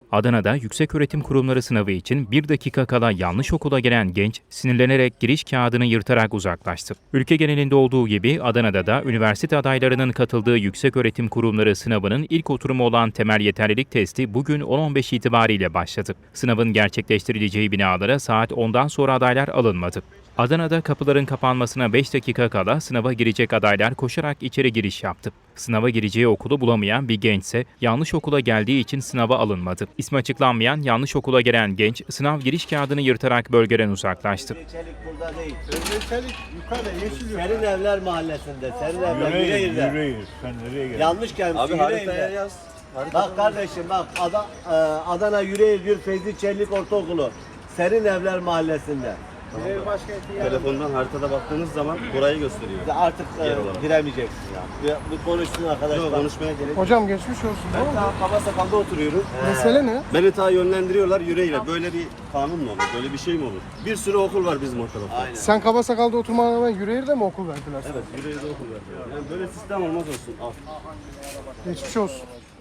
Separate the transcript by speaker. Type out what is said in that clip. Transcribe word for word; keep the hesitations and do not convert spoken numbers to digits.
Speaker 1: Adana'da Yükseköğretim Kurumları sınavı için bir dakika kala yanlış okula gelen genç sinirlenerek giriş kağıdını yırtarak uzaklaştı. Ülke genelinde olduğu gibi Adana'da da üniversite adaylarının katıldığı Yükseköğretim Kurumları sınavının ilk oturumu olan temel yeterlilik testi bugün on on beş itibariyle başladı. Sınavın gerçekleştirileceği binalara saat ondan sonra adaylar alınmadı. Adana'da kapıların kapanmasına beş dakika kala sınava girecek adaylar koşarak içeri giriş yaptı. Sınava gireceği okulu bulamayan bir gençse yanlış okula geldiği için sınava alınmadı. İsmi açıklanmayan yanlış okula gelen genç sınav giriş kağıdını yırtarak bölgeden uzaklaştı.
Speaker 2: Çelik burada değil.
Speaker 3: Çelik yukarıda yeşil yok.
Speaker 2: Serin Evler Mahallesi'nde. Serin Evler
Speaker 3: Yüreğir,
Speaker 2: Yüreğir'de.
Speaker 3: yüreğir. Sen nereye geldin?
Speaker 2: Yanlış gelmiş.
Speaker 4: Abi
Speaker 2: Yüreğir'de.
Speaker 4: haritaya yaz.
Speaker 2: Bak kardeşim bak Ada, e, Adana Yüreğir bir Feyzi Çelik Ortaokulu. Serin Evler Mahallesi'nde.
Speaker 3: Yüreğir başkenti yani.
Speaker 4: Telefondan haritada baktığınız zaman burayı gösteriyor.
Speaker 2: Artık e,
Speaker 4: Yer olarak.
Speaker 2: giremeyeceksin ya. Bir, bir konuşsun arkadaşlar.
Speaker 4: Yok konuşmaya gerek yok.
Speaker 5: Hocam geçmiş olsun. Ne
Speaker 4: Ben
Speaker 5: oldu?
Speaker 4: daha Kaba Sakal'da oturuyorum.
Speaker 5: Mesele ne?
Speaker 4: Beni ta yönlendiriyorlar yüreğiyle. Böyle bir kanun mu olur? Böyle bir şey mi olur? Bir sürü okul var bizim o tarafta.
Speaker 2: Aynen.
Speaker 5: Sen Kaba Sakal'da oturmana rağmen Yüreğir'de mi okul verdiler sana?
Speaker 4: Evet, yüreğde okul var. Yani böyle sistem olmaz olsun. Al.
Speaker 5: Geçmiş olsun.